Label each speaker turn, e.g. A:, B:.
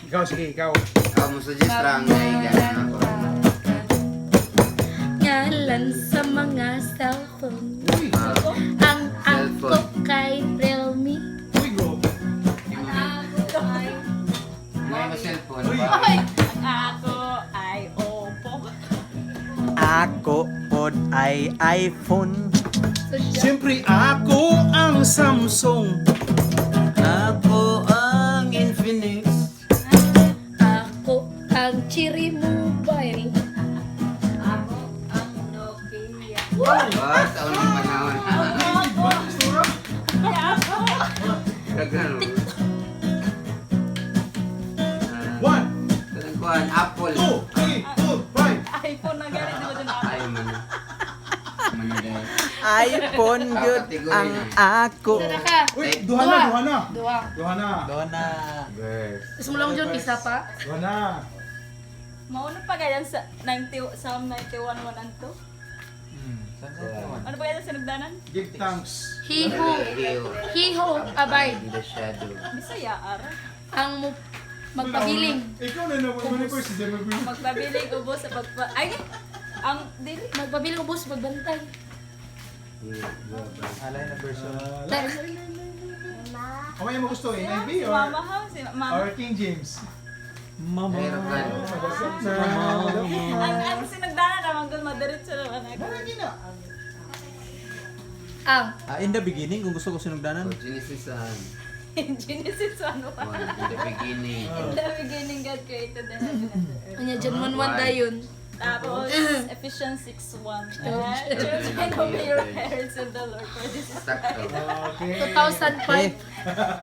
A: Ikaw, sige, ikaw.
B: Ako mo suggest lang na igana ako.
C: Ngalan sa mga cellphone.
A: Uy!
C: Ang ako kay Realme.
A: Uy, bro!
B: May mo cellphone
A: Uy!
B: ba?
D: Ako ay Oppo.
E: Ako pod ay iPhone.
A: Siyempre, ako ang Samsung.
B: Ako ang Infinix.
C: Ako ang Cherry Mobile.
D: Ako ang Nokia.
B: Ba, sa unang panahon. Kagano.
A: One,
B: Kuan Apple.
A: 2, 3, 4, 5.
D: iPhone na ganit mo dun ako.
B: Ay man. Man dai.
E: iPhone yun ang ako.
C: Tara ka.
A: Uy, duha na, duha na.
C: Dua.
A: Duha na.
E: Dona.
B: Girls.
C: Gusto mo lang dyan, isa pa?
A: Duha na.
D: Mauna pa ganyan sa 90, Psalm 91, 1 and 2. Ano pa ganyan sa nagdanan?
A: Give thanks.
C: He who abide.
B: In the shadow.
D: Bisaya, ara.
C: Ang magpabiling.
A: Ikaw na naman ko si Jeremy.
D: Magpabiling ubos sa pagpa... Ay! Ang dili.
C: Magpabiling ubos, magbantay.
E: Alay na version.
A: Kamay mo gusto, NIV
D: Si
A: or
D: Mama ha? Si Mama.
A: or King James?
E: Mama.
B: Mayroon ka.
D: Ang sinagdanan naman doon, madiretso naman ako.
A: Marami na.
C: Ang
E: In the beginning, kung gusto ko sinugdanan.
B: Genesis 1.
D: In Genesis 1, 1.
B: In the beginning.
D: In the beginning, God created the heaven and the earth.
C: kanya dyan man dayon.
D: Tapos, Ephesians 6:1. Children, obey your parents in the Lord, for this is right.
B: Sakto.
A: Okay.
C: 2005.